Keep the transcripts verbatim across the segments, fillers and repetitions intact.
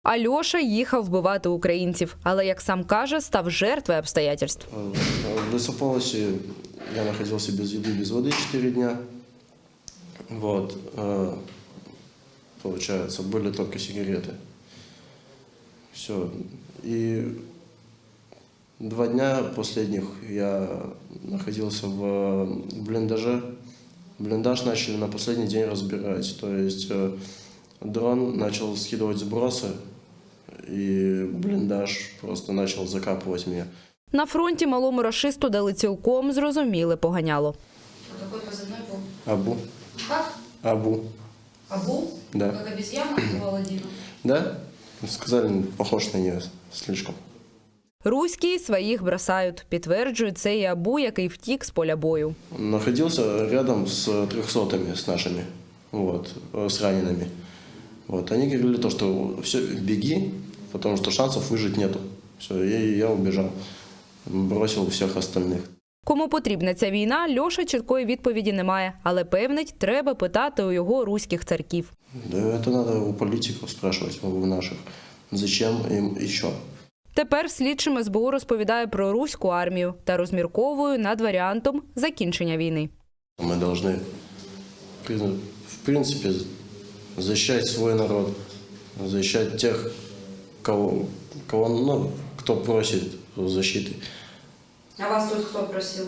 Альоша їхав вбивати українців, але, як сам каже, став жертвою обстоятельств. В лесополосе я находился без еды, без воды четыре дня. Вот. Получается, были только сигареты. Все. И два дня последних я находился в блиндаже. Блиндаж начали на последний день разбирать. То есть дрон начал скидывать сбросы, и блиндаж просто начал закапывать меня. На фронті малому рашисту дали цілком зрозуміле поганяло. Какой позывной был? Абу. Как? Абу. Абу? Да. Как обезьяна у Аладдина? Да? Сказали, похож на нее слишком. Руські своїх бросають, підтверджує це і Абу, який втік з поля бою. Находился рядом с трехсотыми, с нашими, вот, с ранеными. Вот, они говорили то, что все, беги, потому что шансов выжить нету. Все, и я убежал, бросил всех остальных. Кому потрібна ця війна, Льоша чіткої відповіді не має, але певнить, треба питати у його руських царків. Да это надо у политиков спрашивать, у наших, зачем им еще. Тепер слідчим ес бе у розповідає про руську армію та розмірковує над варіантом закінчення війни. Мы должны, в принципе, защищать свой народ, защищать тех, кого, кого, ну, кто просит защиты. А вас тут кто просил?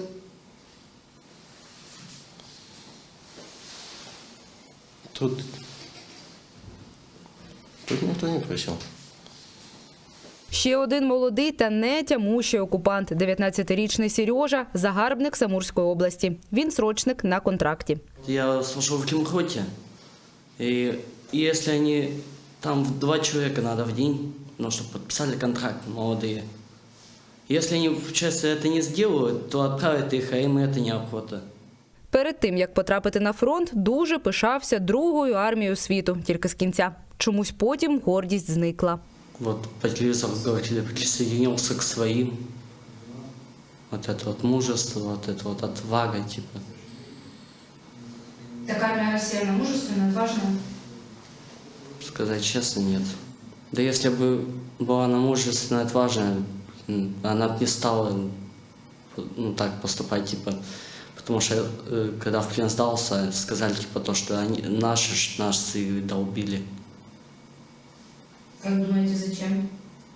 Тут, тут никто не просил. Ще один молодий та не тямущий окупант – дев'ятнадцятирічний Сережа, загарбник Самурської області. Він срочник на контракті. Я служу в Кимхоте, и если они, там два человека надо в день, ну, чтобы подписали контракт, молодые. Если они, честно, это не сделают, то отправят их, а им это неохота. Перед тим, як потрапити на фронт, дуже пишався другою армією світу, тільки з кінця. Чомусь потім гордість зникла. Вот по телевизору говорили, присоединился к своим. Вот это вот мужество, вот это вот отвага, типа. Такая армия Россия, она мужественная, отважная. Сказать честно, нет. Да если бы была она мужественная, отважная, м, она бы не стала, ну, так поступать, типа. Потому что, э, когда в плен сдался, сказали, типа, то, что они, наши, ж- наши долбили. Как думаете, зачем?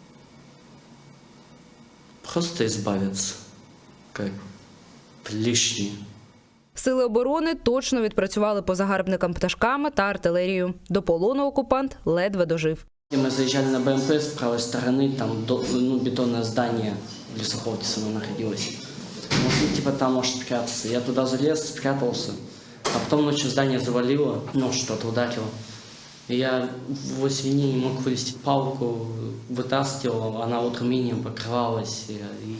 Просто избавиться, как лишние. Сили оборони точно відпрацювали по загарбникам пташками та артилерією. До полону окупант ледве дожив. Мы заезжали на бэ эм пэ с правой стороны, там до- ну, бетонное здание в лесополосе со мной находилось. Ну, типа там может спрятаться. Я туда залез, спрятался, а потом ночью здание завалило, ну что-то ударило. И я в свине не мог вылезти. Палку вытаскивал, она утром инеем покрывалась, и, и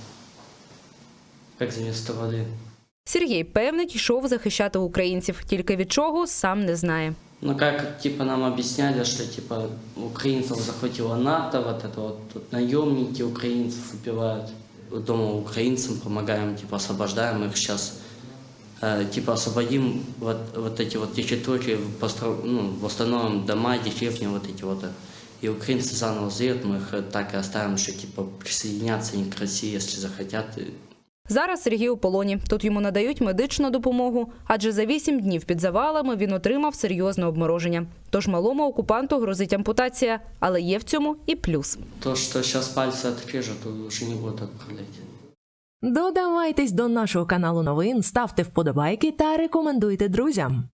как заместо воды. Сергій певнить, йшов захищати українців, тільки від чого – сам не знає. Ну как типа нам объясняли, что типа украинцев захватило НАТО, вот это вот тут наемники украинцев убивают. Дома украинцам помогаем, типа освобождаем их сейчас. Э, типа освободим вот, вот эти вот территории, постро... ну, восстановим дома, деревни вот эти вот. И украинцы заново заедут, мы их так и оставим, что типа присоединятся они к России, если захотят. Зараз Сергій у полоні. Тут йому надають медичну допомогу, адже за вісім днів під завалами він отримав серйозне обмороження. Тож малому окупанту грозить ампутація, але є в цьому і плюс. То, что сейчас пальцы отрежут, уже не будут отправлять. Додавайтесь до нашого каналу новин, ставте вподобайки та рекомендуйте друзям.